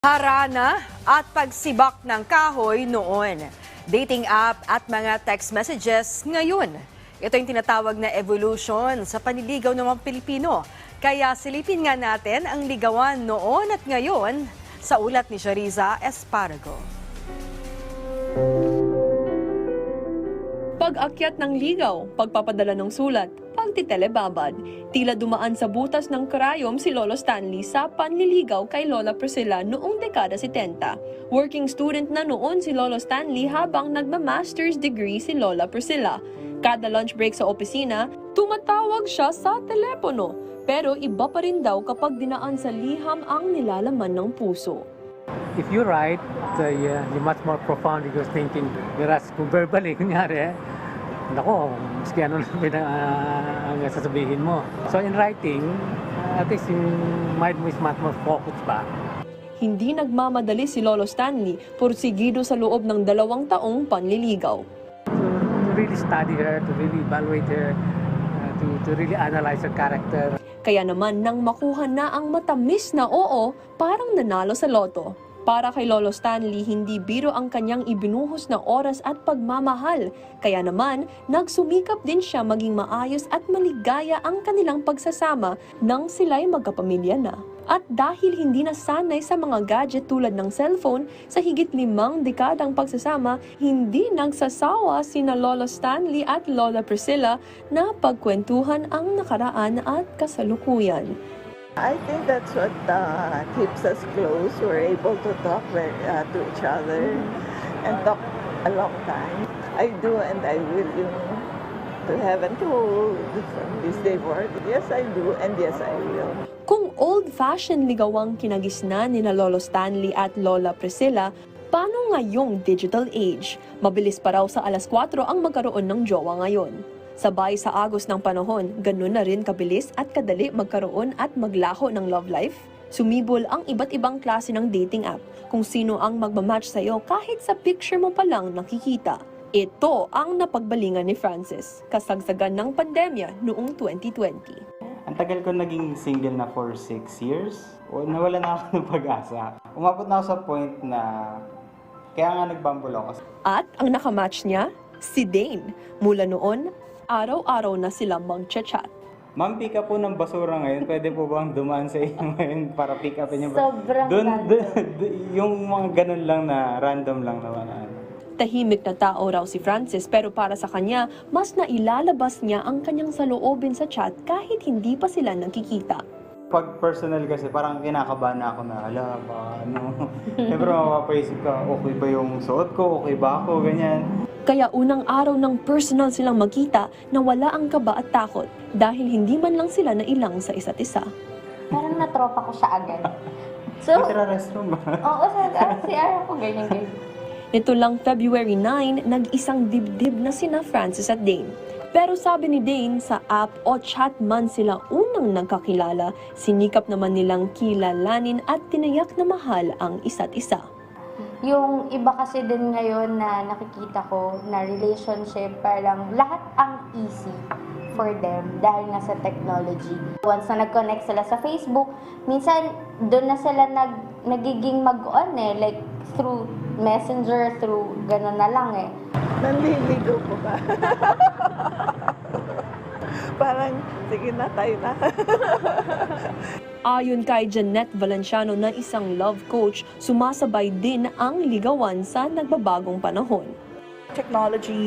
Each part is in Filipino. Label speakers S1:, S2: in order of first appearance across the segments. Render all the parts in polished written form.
S1: Harana at pagsibak ng kahoy noon. Dating app at mga text messages ngayon. Ito yung tinatawag na evolution sa panliligaw ng mga Pilipino. Kaya silipin nga natin ang ligawan noon at ngayon sa ulat ni Shariza Esparago.
S2: Pag-akyat ng ligaw, pagpapadala ng sulat, pagtitelebabad. Tila dumaan sa butas ng karayom si Lolo Stanley sa panliligaw kay Lola Priscilla noong dekada 70. Working student na noon si Lolo Stanley habang nagma-master's degree si Lola Priscilla. Kada lunch break sa opisina, tumatawag siya sa telepono. Pero iba pa rin daw kapag dinaan sa liham ang nilalaman ng puso.
S3: If you write, you're much more profound because thinking, whereas kung verbally, kunyari, nako, maski ano lang ang sasabihin mo. So in writing, at least yung mind mo is much more focused pa.
S2: Hindi nagmamadali si Lolo Stanley, pursigido sa loob ng 2 taong panliligaw.
S3: To really study her, to really evaluate her, to really analyze her character.
S2: Kaya naman nang makuha na ang matamis na oo, parang nanalo sa loto. Para kay Lolo Stanley, hindi biro ang kanyang ibinuhos na oras at pagmamahal. Kaya naman, nagsumikap din siya maging maayos at maligaya ang kanilang pagsasama nang sila'y magkapamilya na. At dahil hindi nasanay sa mga gadget tulad ng cellphone, sa higit 5 dekadang pagsasama, hindi nagsasawa sina Lolo Stanley at Lola Priscilla na pagkwentuhan ang nakaraan at kasalukuyan.
S4: I think that's what keeps us close. We're able to talk to each other and talk a long time. I do and I will, to heaven to from this day forward. Yes, I do and yes, I will.
S2: Kung old-fashioned ligawang kinagisnan ni na Lolo Stanley at Lola Priscilla, paano ngayong digital age? Mabilis pa raw sa 4:00 ang magkaroon ng jowa ngayon. Sabay sa agos ng panahon, ganun na rin kabilis at kadali magkaroon at maglaho ng love life. Sumibol ang iba't ibang klase ng dating app kung sino ang magmamatch sa'yo kahit sa picture mo pa lang nakikita. Ito ang napagbalingan ni Francis, kasagsagan ng pandemya noong 2020.
S5: Ang tagal ko naging single na for 6 years. Nawala na ako ng pag-asa. Umabot na ako sa point na kaya nga nagbumble ako.
S2: At ang nakamatch niya, si Dane. Mula noon, araw-araw na sila mag-chat.
S5: Ma'am, pick up po ng basura ngayon. Pwede po bang dumaan sa inyo ngayon para pick upin yung
S6: Sobrang
S5: yung mga ganun lang na random lang naman.
S2: Tahimik na tao raw si Francis pero para sa kanya, mas nailalabas niya ang kanyang saloobin sa chat kahit hindi pa sila nagkikita.
S5: Pag personal kasi, parang kinakabahan na ako na, Siyempre mapapaisip ka, okay ba yung suot ko, okay ba ako, ganyan.
S2: Kaya unang araw ng personal silang magkita na wala ang kaba at takot dahil hindi man lang sila nailang sa isa't isa.
S6: Parang natropa ko siya agad. So,
S5: restroom ba?
S6: oo, sa CR ako, ganyan.
S2: Nito lang February 9, nag-isang dibdib na sina Francis at Dane. Pero sabi ni Dane, sa app o chat man sila unang nagkakilala, sinikap naman nilang kilalanin at tinayak na mahal ang isa't isa.
S6: Yung iba kasi din ngayon na nakikita ko na relationship, parang lahat ang easy for them dahil nga sa technology. Once na nag-connect sila sa Facebook, minsan doon na sila nagiging mag-on like through Messenger, through gano'n na lang
S4: Nanliligaw ko ba? Parang, sige na, tayo na.
S2: Ayon kay Jeanette Valenciano na isang love coach, sumasabay din ang ligawan sa nagbabagong panahon.
S7: Technology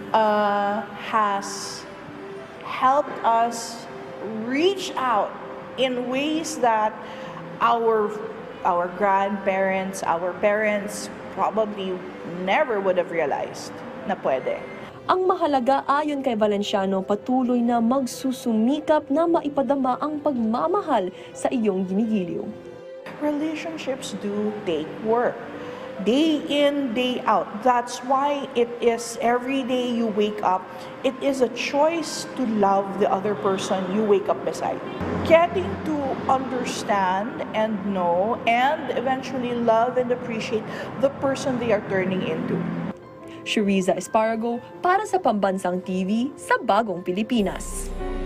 S7: has helped us reach out in ways that our grandparents, our parents probably never would have realized na pwede.
S2: Ang mahalaga ayon kay Valenciano, patuloy na magsusumikap na maipadama ang pagmamahal sa iyong ginigiliw.
S7: Relationships do take work. Day in, day out. That's why it is every day you wake up, it is a choice to love the other person you wake up beside. Getting to understand and know and eventually love and appreciate the person they are turning into.
S2: Shariza Esparago para sa Pambansang TV sa Bagong Pilipinas.